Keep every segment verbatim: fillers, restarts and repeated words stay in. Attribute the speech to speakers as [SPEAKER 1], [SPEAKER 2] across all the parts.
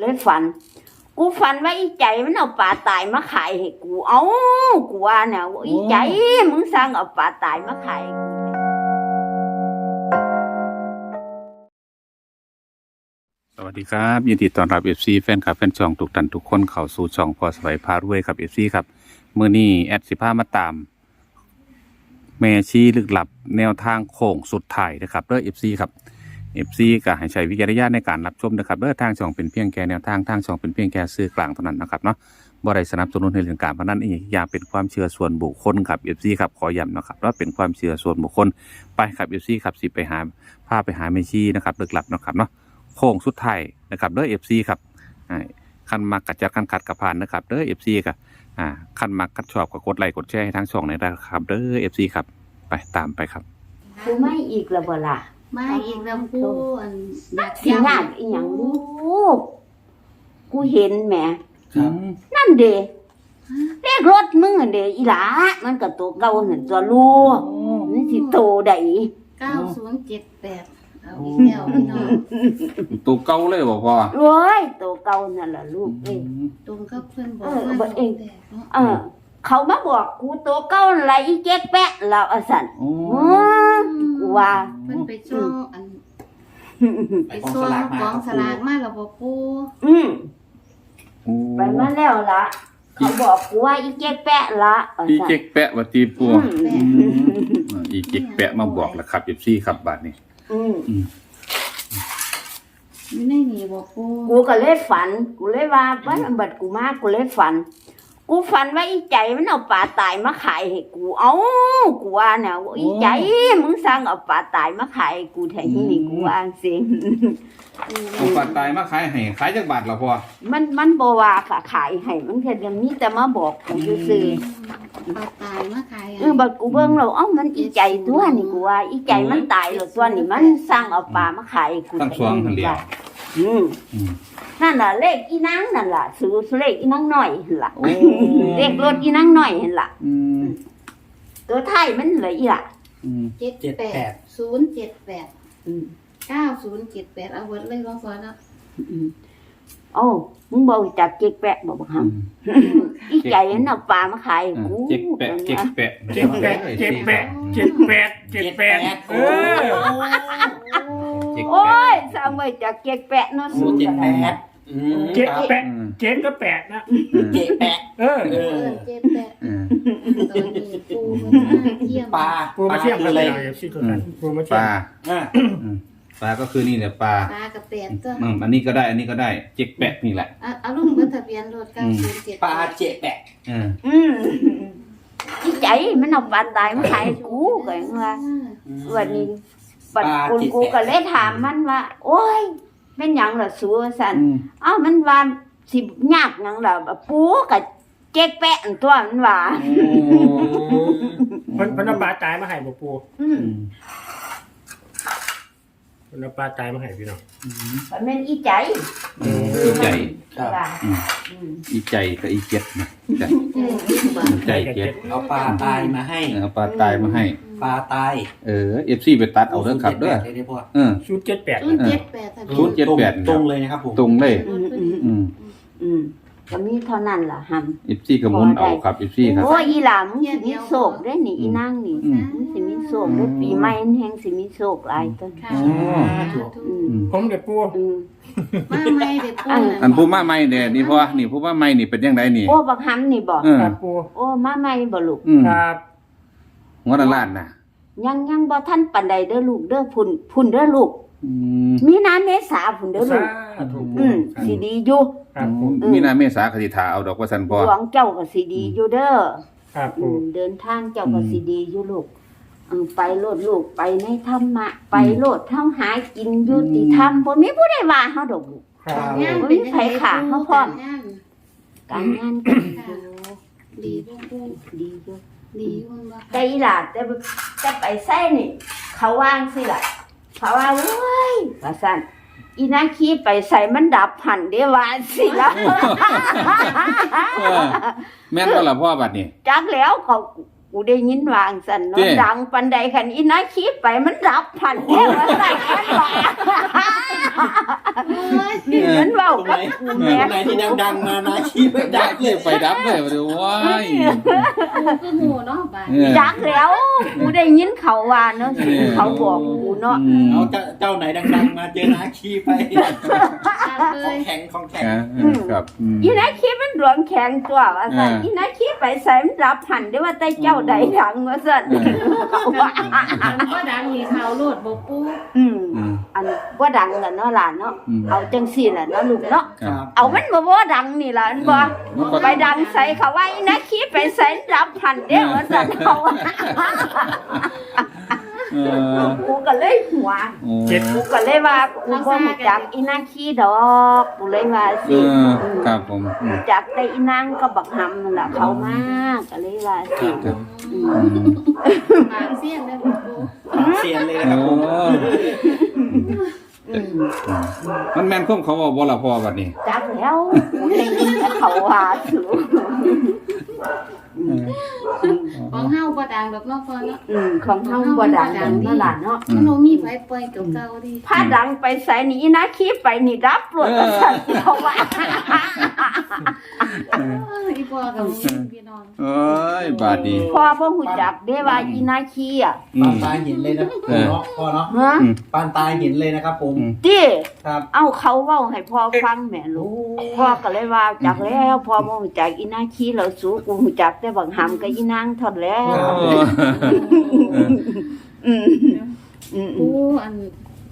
[SPEAKER 1] เลยฝันกูฝันว่าอีใจมันเอาปลาตายมาขายให้กูเอ้ากูว่าเนี่ยอีใจมึงสั่งเอาปลาตายมาขาย
[SPEAKER 2] สวัสดีครับยินดีต้อนรับ เอฟ ซี แฟนคลับแฟนช่องทุกท่านทุกคนเข้าสู่ช่องพอสบายพารวยครับ เอฟ ซี ครับมื้อนี้แอดสิพามาตามแม่ชีลึกลับแนวทางโค้งสุดท้ายนะครับเด้อ เอฟ ซี ครับ เอฟ ซี ก็ให้ใช้วิจารณญาณในการรับชมนะครับเด้อทางช่องเป็นเพียงแค่แนวทางทางช่องเป็นเพียงแค่สื่อกลางเท่านั้นนะครับเนาะบ่ได้สนับสนุนให้เรื่องการพนันอีกอย่างเป็นความเชื่อส่วนบุคคลครับ เอฟ ซี ครับขอย้ำนะครับว่าเป็นความเชื่อส่วนบุคคลไปครับ เอฟ ซี ครับสิไปหาพาไปหาแม่ชีนะครับลึกลับนะครับเนาะโค้งสุดท้ายนะครับเด้อ เอฟ ซี ครับคันมักกัดจัดคันขัดกับผ่านนะครับเด้อ เอฟ ซี ครับอ่าคันมักกัดชอบก็กดไลค์กดแชร์ให้ทางช่องในนะครับเด้อ เอฟ ซี ครับไปตามไปครับ
[SPEAKER 1] กูไม่อีกแล้วบ่ล่ะ
[SPEAKER 3] ไม่อีกแล้วกูอันอยาก
[SPEAKER 1] สิงานอีหยังลูกกูเห็นแหม
[SPEAKER 2] ครับ
[SPEAKER 1] นั่นเด้เลขรถมึงอันเด้อีหลามันก็ตัวเก่านั่นตัวลูกมันสิโตได้
[SPEAKER 3] เก้าศูนย์เจ็ดแปดเอาอีกแล้วพี่น้อง
[SPEAKER 2] ตัวเก่าเลยบ่พ่อ
[SPEAKER 1] โอ้ยตัวเก่านั่นล่ะลูกเอ้ย
[SPEAKER 3] ตรงกับเพิ่นบอก
[SPEAKER 1] เออ
[SPEAKER 3] ว่า
[SPEAKER 1] บ่เอง
[SPEAKER 3] เนาะ
[SPEAKER 1] เออเขามาบอกกูตัวเก่านั่นล่ะอีเจ๊กแปะแล้วอ่ะสั่น
[SPEAKER 2] โอ้
[SPEAKER 1] อืมกูว่า
[SPEAKER 3] เพิ่นไปช่วงอัน
[SPEAKER 4] ไป
[SPEAKER 3] ไป
[SPEAKER 4] กอง
[SPEAKER 3] ช่ว
[SPEAKER 4] ส
[SPEAKER 3] ง
[SPEAKER 4] ลากมาก
[SPEAKER 3] องสลากมาแล้วบ่ปู
[SPEAKER 1] อืม
[SPEAKER 2] โอ้
[SPEAKER 1] ไปมาแล้วล่ะเขาบอกกูว่าอีเจ๊กแปะละอ่ะ
[SPEAKER 2] อี
[SPEAKER 1] สั่น
[SPEAKER 2] เจ๊กแปะว่าตีปัว
[SPEAKER 1] อืม
[SPEAKER 2] อีเจ๊กแปะมาบอกแล้วครับ เอฟ ซี ครับบาดนี้
[SPEAKER 1] อืม
[SPEAKER 2] อืม
[SPEAKER 3] อยู่ในนี่บ่ปู
[SPEAKER 1] กูก็เลยฝันกูเลยว่าบ้านบัดกูมากูเลยฝันกูฝันว่าอีใจมันเอาปลาตายมาขายให้กูเอ้ากูว่าเนี่ยอีใจมึงสั่งเอาปลาตายมาขายให้กูแทนที่นี่กูว่าสิ
[SPEAKER 2] เอาปลาตายมาขายให้ขายจักบาทล่ะพ่อ
[SPEAKER 1] มันมันบ่ว่าค่ะขายให้มันแค่จะมีแต่มาบอกกูซื่อ
[SPEAKER 3] ปลาตายมาขาย
[SPEAKER 1] ๆเออบัดกูเบิ่งแล้วเอ้ามันอีใจตัวนี่กูว่าอีใจมันตายแล้วตัวนี่มันสั่งเอาปลามาขายให้กู
[SPEAKER 2] ตั้งสวงหั่นแหล้ว
[SPEAKER 1] อืม
[SPEAKER 2] อืม
[SPEAKER 1] นั่นล่ะเลขอีนางนั่นล่ะซื้อเลขอีนางน้อยหั่นล่ะ
[SPEAKER 2] โอ้
[SPEAKER 1] เลขรถอีนางน้อยหั่นล่ะ
[SPEAKER 2] อืม
[SPEAKER 1] ตัวไทยมันเหลืออีล่ะ
[SPEAKER 2] อืม
[SPEAKER 3] เจ็ดแปดศูนย์เจ็ดแปด
[SPEAKER 1] อืม
[SPEAKER 3] เก้าศูนย์เจ็ดแปดเอาเบิดเลยบ่พอเนาะ
[SPEAKER 1] อืมโอ้มึงบ่รู้จักเจ๊กแปะบ่บักหำอีใจมันเอาปลามาขายให้กู
[SPEAKER 2] เจ๊กแปะเจ๊กแปะ
[SPEAKER 5] เจ็ดแปดเจ็ดแปดเจ็ดแปดเจ็ดแปดเออ
[SPEAKER 2] เจ๊ก
[SPEAKER 1] โอ้
[SPEAKER 2] แปะ
[SPEAKER 1] ยสร้างไว้จากเจ๊กแปะเนาะ
[SPEAKER 4] โอ้เจ็ดแปดอืม
[SPEAKER 5] เจ็ดแปด
[SPEAKER 2] อืม
[SPEAKER 5] เจ็ดก็แปดนะ
[SPEAKER 4] เจ็ดแปด
[SPEAKER 5] เออ
[SPEAKER 4] เอ
[SPEAKER 3] เอ
[SPEAKER 4] อ
[SPEAKER 3] อเจ็ดแปด
[SPEAKER 2] อืม
[SPEAKER 3] ตอนนี้ปูมันมาเยี่ยม
[SPEAKER 4] ปลา
[SPEAKER 5] ปูมาเทียบกัน
[SPEAKER 4] เล
[SPEAKER 5] เลย ยสิทุกท่านปูมาเที
[SPEAKER 2] ป
[SPEAKER 5] ยบ
[SPEAKER 2] ลา
[SPEAKER 4] อ่า
[SPEAKER 2] อืมปลาก็คือนี่แหละปลา
[SPEAKER 3] ปลากับแปดตัว
[SPEAKER 2] อืมอันนี้ก็ได้ อันนี้ก็ได้ เจ๊กแปะนี่แหละ
[SPEAKER 3] เอาเอาลุงเบอร์ทะเบียนรถเก้าศูนย์เจ็ด
[SPEAKER 4] ปลาเจ็ดแปด
[SPEAKER 2] อืม
[SPEAKER 1] อืมอีใจมันเอาปลาตายมาขายให้กูก็ยังว่าวันนี้ปัดกูกูก็เลยถามมันว่า โอ้ยเป็นหยังล่ะสูสั่น
[SPEAKER 2] อืม
[SPEAKER 1] เอ้ามันว่าสิยากหยังล่ะปูกับเจ๊กแปะอันตัวมันว่า
[SPEAKER 5] เพิ่นเพิ่นเอาปลาตายมาให้บ่ปู
[SPEAKER 1] อืม
[SPEAKER 2] อืม
[SPEAKER 5] เพิ่นเอาปลาตายมาให้พี่น้อง
[SPEAKER 1] มันเป็นอีใจ
[SPEAKER 2] อืมอีใจ
[SPEAKER 1] ว่า
[SPEAKER 2] อืม
[SPEAKER 1] อืม
[SPEAKER 2] อีใจกับอีเจ็ดนะใจ ใจเจ็ด
[SPEAKER 4] เอาปลาตายมาให้
[SPEAKER 2] เอาปลาตายมาให้
[SPEAKER 4] ปลาตาย
[SPEAKER 2] เออ เอฟซีไปตัดเอาเด้อครับเด้อ
[SPEAKER 4] เลยได้พ่อ
[SPEAKER 2] เออ
[SPEAKER 5] ชุดเจ็ดแปด
[SPEAKER 3] ศูนย์เจ็ดแปดทะเบีย
[SPEAKER 2] ศูนย์เจ็ดแปด
[SPEAKER 4] ตรงเลยนะครับผม
[SPEAKER 2] ตรงเลย
[SPEAKER 1] อืมอืม
[SPEAKER 2] อืม
[SPEAKER 1] อืมก็มีเท่านั้นล่ะฮัม
[SPEAKER 2] เอฟซีก็หมุนเอาครับเอฟซีครับ
[SPEAKER 1] โอ้ยอีหลามงสิมีโศกได้นี่อีนางนี่
[SPEAKER 2] อืม
[SPEAKER 1] มันสิมีโศกได้ปีใหม่แห่งสิมีโศกหลายต้น
[SPEAKER 3] ค่ะ
[SPEAKER 2] อ๋อ
[SPEAKER 1] อืม
[SPEAKER 2] อืม
[SPEAKER 5] ผมเด็กปู
[SPEAKER 1] อืม
[SPEAKER 3] มาไม่เด็ดปู
[SPEAKER 2] อันผู้มาใหม่เด้นี่พ่อนี่ผู้มาใหม่นี่เป็นยังไงนี่
[SPEAKER 1] โอ้บักฮัมนี่บ่
[SPEAKER 2] เออ
[SPEAKER 5] ครับปู
[SPEAKER 1] โอ้มาใหม่บ่ลูก
[SPEAKER 2] อืม
[SPEAKER 5] ครับ
[SPEAKER 2] หัวละล้านน่ะ
[SPEAKER 1] ยังยังบ่ทันปานใดเด้อลูกเด้อพุ่นพุ่นเด้อลูก
[SPEAKER 2] อืม
[SPEAKER 1] มีนาเมษาพุ่นเด้อลู
[SPEAKER 5] สาก ธุปู
[SPEAKER 1] อืมสิดีอยู่
[SPEAKER 5] ครับปู
[SPEAKER 2] มีนาเมษาคติถาเอาดอกว่าสันพอ
[SPEAKER 1] หลวงเจ้าก็สิดีอยู่เด้อ
[SPEAKER 5] ครับ
[SPEAKER 1] อื
[SPEAKER 5] ปู
[SPEAKER 1] มเดินทางเจ้าก็สิดีอยู่ลูกเออไปโลดลูกไปในธรรมะไปโลดเฮาหากินยุติธรรมบ่มีผู้ใดว่าเฮาดอกลูก
[SPEAKER 5] ครับ
[SPEAKER 3] งานเป็นยังไงปูการงาน
[SPEAKER 1] การงานก็ดีอยู่
[SPEAKER 3] ดีปูปู
[SPEAKER 1] ดีอยู่
[SPEAKER 3] ดีอยู่บ่
[SPEAKER 1] แต่อีหล่ะแต่แต่ไปใส่นี่ เขาวางสิล่ะเขาว่าโอ้ยว่าซั่นอีนางขี้ไปใส่มันดับหันเด้ว่าสิล่ะ
[SPEAKER 2] เออแม่นบ่ล่ะพ่อบัดนี้
[SPEAKER 1] จักแล้วเขากูได้ยินวาจั่งสั่น
[SPEAKER 2] เจ้
[SPEAKER 1] เนาะดังปานใดคันอีนาขี้ไปมันรับพันแท้ว่าซั่นมันว่า
[SPEAKER 3] โอ้ย
[SPEAKER 1] นี่มันเว้ากับกู
[SPEAKER 4] ตรง
[SPEAKER 1] แม่
[SPEAKER 4] ไหนที่ดังๆมานะชี้ไม่
[SPEAKER 2] ดั
[SPEAKER 4] ดั
[SPEAKER 2] บ
[SPEAKER 4] ง
[SPEAKER 2] เล
[SPEAKER 4] เลย ย
[SPEAKER 2] ไฟดับเลยว่าเดี๋ยวว้าย
[SPEAKER 3] กูคือหมู่เนาะบ้าน
[SPEAKER 2] เออ
[SPEAKER 1] จักแล้วกูได้ยินเขาว่าเนาะ
[SPEAKER 2] เออ
[SPEAKER 1] เขาบอกกูเนาะ
[SPEAKER 2] อืม
[SPEAKER 4] เอาเจ้าเจ้าไหนดังๆมาเจอนาคีไป
[SPEAKER 3] จัดเล
[SPEAKER 4] ของ
[SPEAKER 3] ย
[SPEAKER 4] แข็งของแข็ง
[SPEAKER 2] อ่าครับอืม
[SPEAKER 1] อีนาขี้มันดวงแข็งตัวว่าซั่น
[SPEAKER 2] เอออี
[SPEAKER 1] อีนาขี้ไปใส่มันรับพันได้ว่าแต่เจ้าใดดังว่าซั่นว่า
[SPEAKER 3] มันก็ดังมีข่าวโลดบ่ปู
[SPEAKER 1] อืม
[SPEAKER 2] อืม
[SPEAKER 1] อันบ่ดังล่ะเนาะหลานเนาะ
[SPEAKER 2] อืม
[SPEAKER 1] เอาจังซี่ล่ะเนาะลูกเนาะ
[SPEAKER 2] ครับ
[SPEAKER 1] เอามันบ่บ่ดังนี่ล่ะอันบ่
[SPEAKER 2] มันก็
[SPEAKER 1] ไปดังใส่เขาว่าอีนาขี้ไปใส่รับพันเด้อว่าซั่นเขาว่า
[SPEAKER 2] เออ
[SPEAKER 1] กูก็เลยหัว
[SPEAKER 2] โอ้
[SPEAKER 5] เจ็ด
[SPEAKER 1] กูก็เลยว่ากูบ่รู้จักอีนางขี้ดอกกูเลยว่า
[SPEAKER 2] เอ
[SPEAKER 1] สิ
[SPEAKER 2] อครับผมอืม
[SPEAKER 1] รู้จักแต่อีนางก็บักหำนั่นล่ะเขามาก็เลยว่าสิ
[SPEAKER 2] ครับ
[SPEAKER 1] อื
[SPEAKER 2] อื
[SPEAKER 1] ม
[SPEAKER 2] ม
[SPEAKER 3] ปากเสี้ยนเลยบ่ปู
[SPEAKER 4] เสียนเลยนะครับ
[SPEAKER 2] โอ้
[SPEAKER 1] อืม
[SPEAKER 2] มันแม่นคุ้มเขาบอกบ่ล่ะพ่อบัดนี้
[SPEAKER 1] จักแล้วกูได้ยินแต่เขาว่าถือ
[SPEAKER 3] ของเฮาบ่ดังดอกเนาะพ่อเนาะ
[SPEAKER 1] อืมของเฮาบ่ดังนั่นล่ะเนาะ
[SPEAKER 3] มันบ่มีไผปล่อยเก่าๆดิ
[SPEAKER 1] ถ้าดังไปใส่นี่อีนางขี้ไปนี่รับรวดว่าซั่นเขาว่า
[SPEAKER 3] เอออีพ่อกับพี่น้อง
[SPEAKER 2] เอ้ยบาดนี้
[SPEAKER 1] พ่อบ่ฮู้จักเด้ว่าอีนางขี้อ่ะ
[SPEAKER 2] อื
[SPEAKER 4] ปาน
[SPEAKER 2] ม
[SPEAKER 4] ตาเห็นเลยนะ
[SPEAKER 2] เออ
[SPEAKER 4] เนาะพ่อเนาะ
[SPEAKER 1] ฮะ
[SPEAKER 2] อืม
[SPEAKER 4] ปานตาเห็นเลยนะครับผม
[SPEAKER 2] อืม
[SPEAKER 1] ติ
[SPEAKER 4] ครับ
[SPEAKER 1] เอาเขาเว้าให้พ่อฟังแหม่ลูก พ่อก็เลยว่าจักแล้วพ่อบ่รู้จักอีนางขี้แล้วสู้กูรู้จักแต่บักหำกับอีนางเท่านั้นแหล้ว
[SPEAKER 2] โอ้
[SPEAKER 1] อืมอืม
[SPEAKER 3] ปูอัน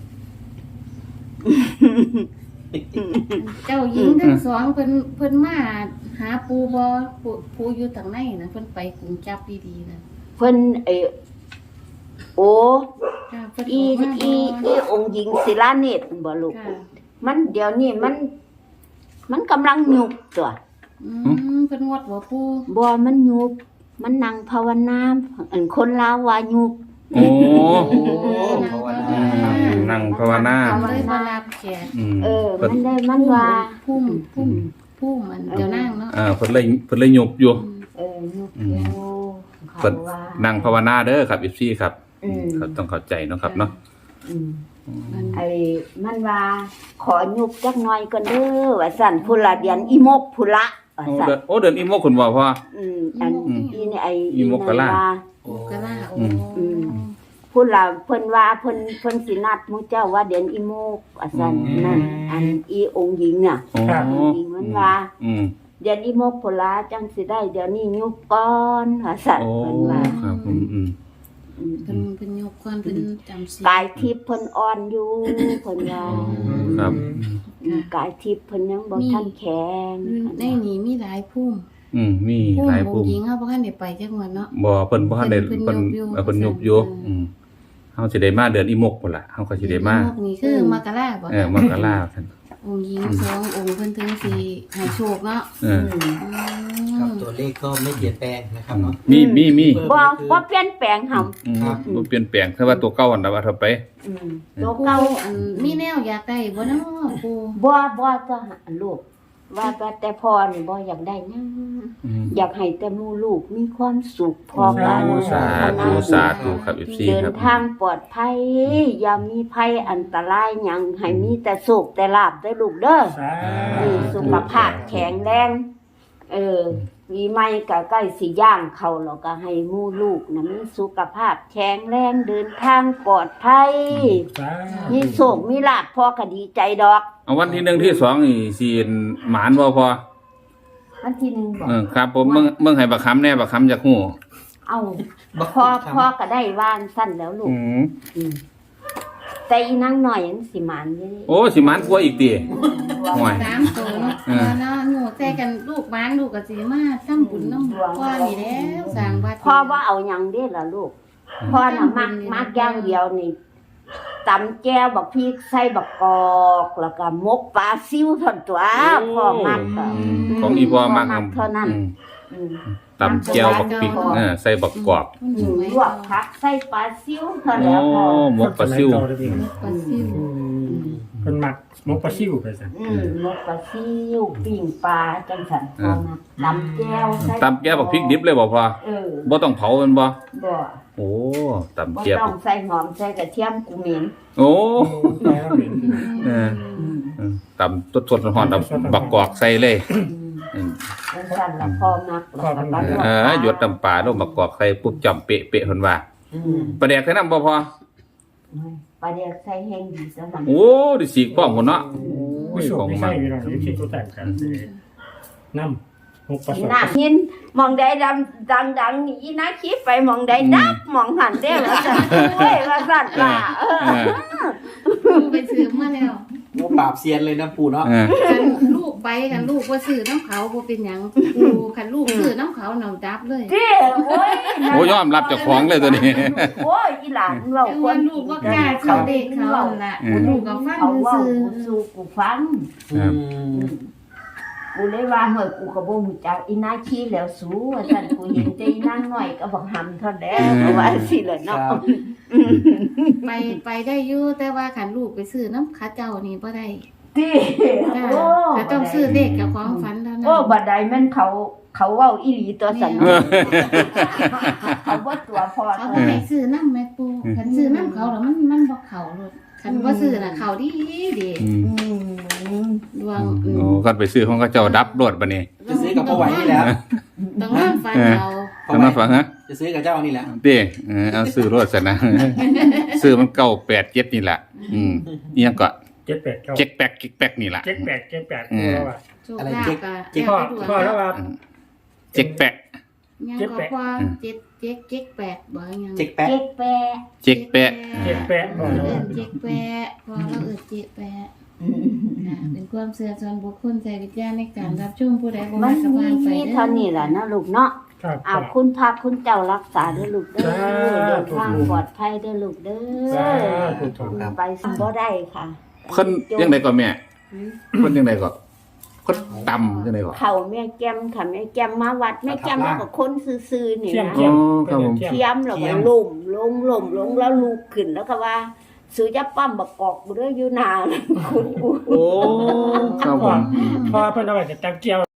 [SPEAKER 3] เจ้าหญิงทั้งสองเพิ่นเพิ่นมาหาปูบ่ปูปูอยู่ทางไหนนะเพิ่นไปกรุงจับดีๆนะ
[SPEAKER 1] เพิ่นไอ้โอ้
[SPEAKER 3] ค่ะเพิ่น
[SPEAKER 1] อี
[SPEAKER 3] กมา
[SPEAKER 1] อีอีองค์หญิงศิลาเนตรบ่ลูก
[SPEAKER 3] ค่ะ
[SPEAKER 1] มันเดี๋ยวนี้มัน มันกำลังยุบตัว
[SPEAKER 3] อืมเพิ่นงดบ่ปู
[SPEAKER 1] บ่มันยุบมันนั่งภาวนาอันคนลาวว่ายุบ
[SPEAKER 2] โอ้
[SPEAKER 3] โอ้นางภาวนา
[SPEAKER 2] นั่งภาวนา
[SPEAKER 3] ทำเลยมารับแขก
[SPEAKER 2] อืม
[SPEAKER 1] เออ
[SPEAKER 2] เพิ่น
[SPEAKER 1] มันได้มันว่า
[SPEAKER 3] พุ่มพุ่มพุ่มอันเจ้านางเนาะ
[SPEAKER 2] อ่าเพิ่นเลยเพิ่นเลยหยบอยู่
[SPEAKER 1] เออยุบ
[SPEAKER 2] อืม
[SPEAKER 1] โอ้เขา
[SPEAKER 2] เพิ่น
[SPEAKER 1] ว่า
[SPEAKER 2] นั่งภาวนาเด้อครับอีซี่ครับ
[SPEAKER 1] อืม
[SPEAKER 2] เขาต้องเข้าใจเนาะครับเนาะ
[SPEAKER 1] อืม
[SPEAKER 3] มัน
[SPEAKER 1] ไอ้มันว่าขอยุบจักหน่อยก่อนเด้อว่าสั่นพุ่นละเดียนอีมกพุ่นละว่า
[SPEAKER 2] โอ้
[SPEAKER 1] สั่น
[SPEAKER 2] เดินโอ้เดินอีโมกคุณบ่พ่อ
[SPEAKER 1] อืมอัน
[SPEAKER 2] อืม
[SPEAKER 1] อีนี่ไอ้
[SPEAKER 2] อีมกกะลา
[SPEAKER 1] นั่นว่า
[SPEAKER 3] โอ้กะลาโอ้
[SPEAKER 2] อืม
[SPEAKER 1] พุ่นละเพิ่นว่าเพิ่นเพิ่นสินัดหมู่เจ้าว่าเดียนอีมกว่าสั่นนั่นอันอีองค์หญิงน่ะ
[SPEAKER 2] โอ้
[SPEAKER 1] องค์หญิงมันว่า
[SPEAKER 2] อืม
[SPEAKER 1] เดียนอีมกพุ่นละจังสิได้เดี๋ยวนี้ยุบก่อนว่าสั่น
[SPEAKER 2] โอ้
[SPEAKER 1] เพิ่นว่า
[SPEAKER 2] ครับผมอืม
[SPEAKER 1] อืม
[SPEAKER 3] เพิ่นเพิ่นยกก่อนเพิ่นจำศีล
[SPEAKER 1] กายทิพย์เพิ่นอ่อนอยู่เพิ่นว่า
[SPEAKER 2] ครับ
[SPEAKER 1] อืมกายทิพย์เพิ่นยังบ่ทันแข็ง
[SPEAKER 3] ในนี้มีหลายพุ่ม
[SPEAKER 2] อืมมี
[SPEAKER 3] พุ่ม
[SPEAKER 2] หลาย
[SPEAKER 3] อง
[SPEAKER 2] ปุ่ม
[SPEAKER 3] ค์หญิงเฮาบ่ทันได้ไปจักวันเนาะ
[SPEAKER 2] บ่เพิ่นบ่ทันได้
[SPEAKER 3] เพิ่
[SPEAKER 2] เพิ่
[SPEAKER 3] น
[SPEAKER 2] น
[SPEAKER 3] ยกอยู่
[SPEAKER 2] เออเพิ่นยกอยู่
[SPEAKER 3] อืม
[SPEAKER 2] อืมเฮาสิได้มาเดือนอีโมกพุ่นล่ะเฮาก็สิได้มา
[SPEAKER 3] พวกนี้คือมกราบ่
[SPEAKER 2] เออมกราคั่น
[SPEAKER 3] องค์หญิงสององค์เพิ่นถึงสิให้โชคเนาะ
[SPEAKER 2] เออ
[SPEAKER 1] อืม
[SPEAKER 3] อื
[SPEAKER 4] ครับ
[SPEAKER 3] ม
[SPEAKER 4] ตัวเลขก็ไม่เปลี่ยนแปลงนะครับเนาะ
[SPEAKER 2] มีมีมี
[SPEAKER 1] บ่บ่เปลี่ยนแปลงห่ำ
[SPEAKER 2] อืม
[SPEAKER 4] ครับ
[SPEAKER 2] บ่เปลี่ยนแปลงแต่ว่าตัวเก่าอันน่ะว่าถ้าไป
[SPEAKER 1] อืมตัว
[SPEAKER 3] ปู
[SPEAKER 1] เก่า
[SPEAKER 3] อันมีแนวอยากได้บ่เนาะปู
[SPEAKER 1] บ่บ่จะหาลูก ว่าแต่แต่พ่อนี่บ่อยากได้หยัง
[SPEAKER 2] อืม
[SPEAKER 1] อยากให้แต่หมู่ลูกมีความสุขพอกัน
[SPEAKER 2] โอ้สาธุสาธุครับ เอฟ ซี
[SPEAKER 1] เดิน
[SPEAKER 2] ครับ
[SPEAKER 1] ทางปลอดภัยอย่ามีภัยอันตรายหยังให้มีแต่สุขแต่ลาภเด้อลูกเด้อ
[SPEAKER 5] สา
[SPEAKER 1] นี่สุขภาพแข็งแรง เออมีไม่ก็ใกล้สิย่างเข้าแล้วก็ให้หมู่ลูกนะมีสุขภาพแข็งแรงเดินทางปลอดภัย
[SPEAKER 5] สา
[SPEAKER 1] มีโศกมีลาภพ่อก็ดีใจดอก
[SPEAKER 2] เอาวันที่หนึ่งที่สองนี่สิหมานบ่พอ
[SPEAKER 1] วันที่หนึ่งบอก
[SPEAKER 2] เออครับผมเบิ่งเบิ่งให้บักคำแน่บักคำจากฮู้
[SPEAKER 1] เอา
[SPEAKER 4] บัก
[SPEAKER 1] พ่อ
[SPEAKER 4] ครับ
[SPEAKER 1] พ่อก็ได้ว่านสั้นแล้วลูก
[SPEAKER 2] อืม
[SPEAKER 1] อืมแต่อีนางหน่อยยังสิหมันอยู่นี่
[SPEAKER 2] โอ้สิหมานกว่าอีกติ ห่วย
[SPEAKER 3] สามตัวเนาะ
[SPEAKER 2] เออ
[SPEAKER 3] เนาะหนูแต่กันลูกบ้านลูกก็สิมาทำบุญนำพ่อนี่แล้วสร้างวัด
[SPEAKER 1] พ่อว่าเอาหยังเด้ล่ะลูกพ่อน่ะมักมักอย่างเดียวนี่ตำแก้วบักพริกใส่บักกอกแล้วก็มกปลาซิวเท่านั้นตัวพ่อมักก็
[SPEAKER 2] อืมของอีพ่อมัก
[SPEAKER 1] เท่านั้น
[SPEAKER 2] อืม
[SPEAKER 1] อืม
[SPEAKER 2] ตำแจ่วบักพริกเออใส่บักกรอบ
[SPEAKER 3] มัน
[SPEAKER 1] อื
[SPEAKER 3] ส
[SPEAKER 1] ม
[SPEAKER 3] วย
[SPEAKER 1] ลวกผักใส่ปลาซิวเท่า
[SPEAKER 2] โอ้
[SPEAKER 1] นั้นพ่อ
[SPEAKER 2] หมกปลาซิว
[SPEAKER 3] หมกปลาซิว
[SPEAKER 4] อืม
[SPEAKER 5] เพิ่นมักหมกปลาซิวไปซั่น
[SPEAKER 1] อืมนกปลาซิวปิ้งปลาจังสันพอมาตำแก้วใส่
[SPEAKER 2] ตำแก้วบักพริกดิบเลยบ่พอ
[SPEAKER 1] เออ
[SPEAKER 2] บ่ต้องเผามันบ่
[SPEAKER 1] บ่
[SPEAKER 2] โอ้ตำ
[SPEAKER 1] บ่
[SPEAKER 2] แก้ว
[SPEAKER 1] ต้องใส่หอมใส่กระเทียมกูเหม็น
[SPEAKER 2] โอ้
[SPEAKER 5] โอ้แล้วเหม็น
[SPEAKER 2] เออ
[SPEAKER 1] อืม
[SPEAKER 2] เออตำสดๆร้อนๆเอาบักกอกใส่เลย
[SPEAKER 1] อืม
[SPEAKER 2] อืม
[SPEAKER 1] จังสันละพอมักแล้วก็ตัด
[SPEAKER 2] เออหยดน้ำปลาลงบักกอกใส่ปุ๊บจำเป๊ะๆเพิ่นว่า
[SPEAKER 1] อืม
[SPEAKER 2] ปลาแดกใส่น้ำบ่พอ
[SPEAKER 1] ปลาเดียกใส่แห้งดีซะนั่น
[SPEAKER 2] โอ้ดิสีกว้างพุ่นเนาะโอ้
[SPEAKER 5] ผู้
[SPEAKER 2] ย
[SPEAKER 5] สู
[SPEAKER 2] ของ
[SPEAKER 5] ไม่
[SPEAKER 2] มั
[SPEAKER 5] ใช่
[SPEAKER 2] น
[SPEAKER 5] พี่น้องนี่คิดตัวแต่งกันน้ำหมกปลา
[SPEAKER 1] อี
[SPEAKER 5] สด
[SPEAKER 1] น่าหินมองใดดำดังดังๆนี่อีน่าคิดไปมองใดดับมองหันเด้อว่าซั่นเว้ยว่าซั่นล่ะเออ
[SPEAKER 2] เออ
[SPEAKER 3] ปูไปซื้อมาแล้ว
[SPEAKER 4] โอ้ปราบเซียนเลยนะปู่เนาะ
[SPEAKER 2] เออ
[SPEAKER 3] คันลูกไปคันลูกว่าซื้อน้ำเขาบ่เป็นหยังปูคันลูกซื้อน้ำเขาหนองดับเลย
[SPEAKER 1] เด้โอ้ย
[SPEAKER 2] โอ้ยอมรับเจ้าของเลยตัวนี้
[SPEAKER 1] โอ้ยอีหลานเว้า
[SPEAKER 3] แต่
[SPEAKER 1] ค
[SPEAKER 3] ว่าน ลูกว่ากล้าเขาเด็กเขานั่นล่ะ
[SPEAKER 2] อืม
[SPEAKER 3] ลูกก็ฟัง
[SPEAKER 1] เขาเว้า
[SPEAKER 3] ซื้อ
[SPEAKER 1] กูสู้กูฟัง
[SPEAKER 4] อืม
[SPEAKER 1] กูเลยว่าเฮ้ยกูก็บ่รู้จักอีน่าขี้แล้วสู้ว่าซั่นกูเห็นแต่อีนางน้อยก็บักหำเท่านั้นเพราะว่าสิล่ะ
[SPEAKER 4] ค
[SPEAKER 1] เนาะ
[SPEAKER 4] รับ
[SPEAKER 3] ไปไปได้อยู่แต่ว่าคันลูกไปซื้อน้ำขาเจ้านี่บ่ได้
[SPEAKER 1] ติ
[SPEAKER 3] จ้า
[SPEAKER 1] โอ้
[SPEAKER 3] ถ้าต้องซื้อเด็กกับของฝันแล้วนะ
[SPEAKER 1] โอ้บัดใดแม่นเขาเขาเว้าอีหลีตัวสั่น
[SPEAKER 2] เออ
[SPEAKER 1] เขาบ่ตัวพอ
[SPEAKER 3] เขาบ่ให้ซื้อน้ำแม่ปูคันซื้อน้ำเขาแล้วมันมันบ่เข้าเลยคันบ่ซื้อน่ะเข้าดีดี
[SPEAKER 2] อืม
[SPEAKER 1] อืม
[SPEAKER 3] ดวง
[SPEAKER 2] โอ้กันไปซื้อของเขาเจ้าดับรวดบัดนี้
[SPEAKER 4] จะซื้อกับพ่อไหวนี่แหละ
[SPEAKER 3] ต้องนอนฝันเอา
[SPEAKER 2] ทำมาฟังฮะ
[SPEAKER 4] จะซื้อกับเจ้านี่แหละ
[SPEAKER 2] เด้เออเอาซื้อรถซะนะ ซื้อมันเก้าแปดเจ็ดนี่แหละ อืมอีหยังก็
[SPEAKER 5] เจ็ดแปดเก้า
[SPEAKER 2] เจ็กแป๊กเจ็กแป๊กนี่แหละ
[SPEAKER 5] เจ็ดแปดเจ็ดแปด
[SPEAKER 2] เออ
[SPEAKER 5] แล้วว่า
[SPEAKER 3] โชคลาภก็
[SPEAKER 4] เจ๊
[SPEAKER 5] พ่อ
[SPEAKER 3] แด
[SPEAKER 5] พ่อแล้วว่า
[SPEAKER 2] อืมเจ็กแป๊ก
[SPEAKER 3] ยังก็ว่าเจ็ดเจ็ดเจ็ดแปดบ่ยัง
[SPEAKER 4] เจ๊กแป๊ะ
[SPEAKER 1] เจ๊กแปะ
[SPEAKER 2] เจ็กแป๊ก
[SPEAKER 5] เจ็ดแปด
[SPEAKER 3] เอ
[SPEAKER 5] พ่อ
[SPEAKER 3] อ
[SPEAKER 5] แล้ว
[SPEAKER 3] เอิ้
[SPEAKER 5] ว่าน
[SPEAKER 3] เจ็ดแปดพอเราเอิ้นเจ็ดแปดค่ะเป็นความเชื่อส่วนบุคคลใจวิทยาในการรับชมผู้ใดบ่
[SPEAKER 1] มั
[SPEAKER 3] มาน ส
[SPEAKER 1] มี
[SPEAKER 3] ว่างไป
[SPEAKER 1] มี
[SPEAKER 3] เด้อ
[SPEAKER 1] เท่านี้ล่ะนะลูกเนาะ
[SPEAKER 5] ครับ
[SPEAKER 1] อ้าวคุณพระคุณเจ้ารักษาเด้อลูกเด้อ
[SPEAKER 5] สาธุ
[SPEAKER 1] เดินทางปลอดภัยเด้อลูกเด้
[SPEAKER 5] สา
[SPEAKER 1] อ
[SPEAKER 5] ธุถูกครับ
[SPEAKER 1] ไปสั่งบ่ได้ค่ะ
[SPEAKER 2] เพิ่นยังไดก็แม่เพิ่นยังไดก็เพิ่นต่ำยังไดก็
[SPEAKER 1] เขาแม่แก้มค่ะแม่แก้มมาวัดแม่แก้มมากับคนซื่อๆนี่
[SPEAKER 5] เทียม
[SPEAKER 1] นะ
[SPEAKER 5] เทียม
[SPEAKER 2] อ๋อครับผม
[SPEAKER 5] เทียม
[SPEAKER 1] เทียมแล้วก็ล้มลงล้มลงแล้วลุกขึ้นแล้วก็ว่าซื้อจะปั้มบักกอกกูเด้ออยู่นานคุณกู
[SPEAKER 2] โอ้ครับผ
[SPEAKER 5] พ่อ
[SPEAKER 2] ม
[SPEAKER 5] พ่อเพิ่นเอาไว้จะจังเกี่ยว